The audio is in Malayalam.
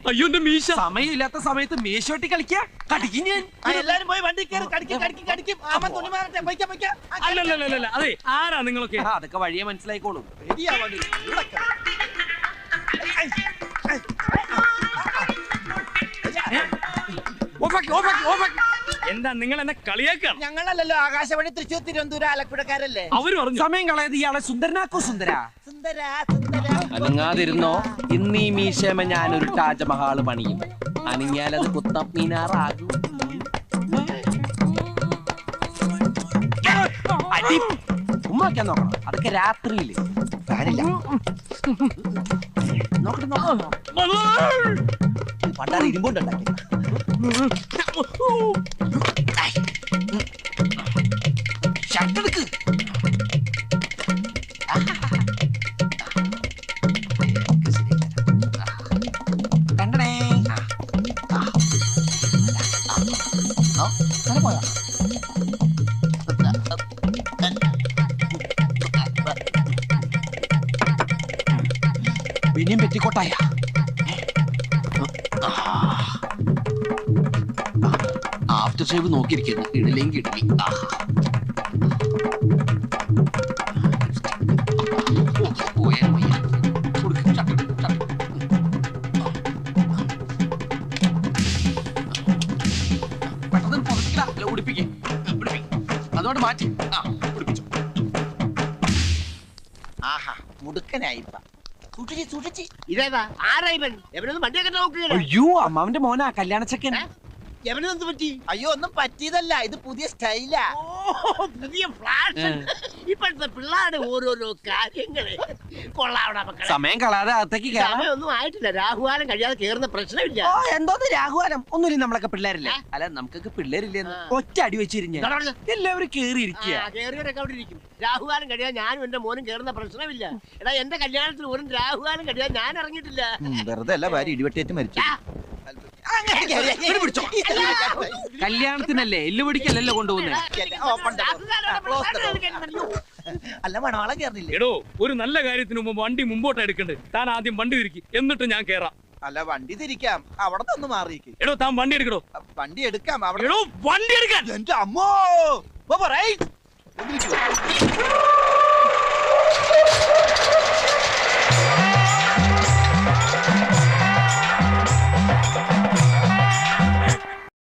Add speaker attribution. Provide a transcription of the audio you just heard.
Speaker 1: അയ്യോ എന്റെ മീശ.
Speaker 2: സമയമില്ലാത്ത സമയത്ത് മീശോട്ടി കളിക്കാ കടിക്കും ഞാൻ.
Speaker 3: എല്ലാരും പോയി വണ്ടി കയറി കടിക്കും.
Speaker 1: അല്ലല്ല അതെ, ആരാ നിങ്ങളൊക്കെ?
Speaker 2: അതൊക്കെ വഴിയെ മനസ്സിലായിക്കോളും.
Speaker 1: എന്താ നിങ്ങൾ എന്നെ കളിയാക്കാണ്?
Speaker 3: ഞങ്ങളല്ലല്ലോ ആകാശവാണി തൃശ്ശൂർ തിരുവനന്തപുരം ആലപ്പുഴക്കാരല്ലേ.
Speaker 1: അവര് പറഞ്ഞു
Speaker 2: സമയം കളയത് ഇയാളെ സുന്ദരനാക്കോ സുന്ദര.
Speaker 3: സുന്ദര
Speaker 2: അനങ്ങാതിരുന്നോ. ഇന്ന് ഈ മീശമ ഞാനൊരു താജ്മഹാള് പണിയും. അനങ്ങിയാലത് കുത്തബ് മീനാറാകും. അടി ഉമ്മാക്കാൻ നോക്കണം. അതൊക്കെ രാത്രിയില് ഫാനില്ല.
Speaker 3: പണ്ടാറ് ഇരുമ്പുണ്ടാക്കി.
Speaker 2: ഷട്ടെടുക്ക്. കണ്ടണേ. പോയാ പിന്നെയും പെറ്റിക്കോട്ടായ. After shave നോക്കിയിരിക്കുന്നു. ഇടലെങ്കിൽ ഇടലി. പെട്ടെന്ന് പുറത്തില്ല ഉടിപ്പിക്കേ. അതോട് മാറ്റി ഉടിപ്പിച്ചു.
Speaker 3: ആഹാ മുടുക്കനായിപ്പ. സൂക്ഷിച്ച് ഇതേതാ ആരാ ഇവൻ? എവനൊന്നും വണ്ടിയൊക്കെ നോക്കുകയാണ്.
Speaker 2: അയ്യോ അമ്മാവന്റെ മോനാ കല്യാണച്ചക്കൻ.
Speaker 3: എവനെന്ത് പറ്റി? അയ്യോ ഒന്നും പറ്റിയതല്ല, ഇത് പുതിയ സ്റ്റൈലാ. പുതിയ ഫ്ലാഷൻ. ഇപ്പോഴത്തെ പിള്ളേരുടെ ഓരോരോ കാര്യങ്ങള് കൊള്ളാവണ മക്കളെ.
Speaker 2: സമയം കളയാതെ അകത്തേക്ക്
Speaker 3: സമയമൊന്നും ആയിട്ടില്ല. രാഹുകാലം കഴിയാതെ കേറുന്ന പ്രശ്നമില്ല.
Speaker 2: എന്തോന്ന് രാഹുകാലം? ഒന്നുമില്ല, നമ്മളൊക്കെ പിള്ളേരില്ലേ. അല്ല നമുക്കൊക്കെ പിള്ളേരില്ലേ? ഒറ്റ അടി വെച്ചിരിഞ്ഞ എല്ലാവരും കേറിയിരിക്കുക.
Speaker 3: കേറിയവരൊക്കെ അവിടെ ഇരിക്കും. രാഹുകാലം കഴിയാൻ ഞാനും എന്റെ മോനും കേറുന്ന പ്രശ്നമില്ല. എടാ എന്റെ കല്യാണത്തിന് ഒരു രാഹുകാലം കഴിയാൻ ഞാൻ ഇറങ്ങിയിട്ടില്ല.
Speaker 4: വെറുതെ അല്ല, ഭാര്യ ഇടിവെട്ടേറ്റ് മരിച്ചു.
Speaker 2: കല്യാണത്തിനല്ലേ എല്ലു പിടിക്കല്ലല്ലോ കൊണ്ടുപോകുന്നത്.
Speaker 3: അല്ല മണവാളം കേറില്ല.
Speaker 1: എടോ, ഒരു നല്ല കാര്യത്തിന് മുമ്പ് വണ്ടി മുമ്പോട്ട് എടുക്കണ്ടേ? താൻ ആദ്യം വണ്ടി തിരിക്കും, എന്നിട്ട് ഞാൻ കേറാം.
Speaker 4: അല്ല വണ്ടി തിരിക്കാം, അവിടെ നിന്ന് മാറിയിരിക്കും.
Speaker 1: എടോ താൻ വണ്ടി എടുക്കടോ.
Speaker 4: വണ്ടി എടുക്കാം.
Speaker 1: എടോ വണ്ടി എടുക്കാൻ.
Speaker 4: എന്റെ അമ്മോ.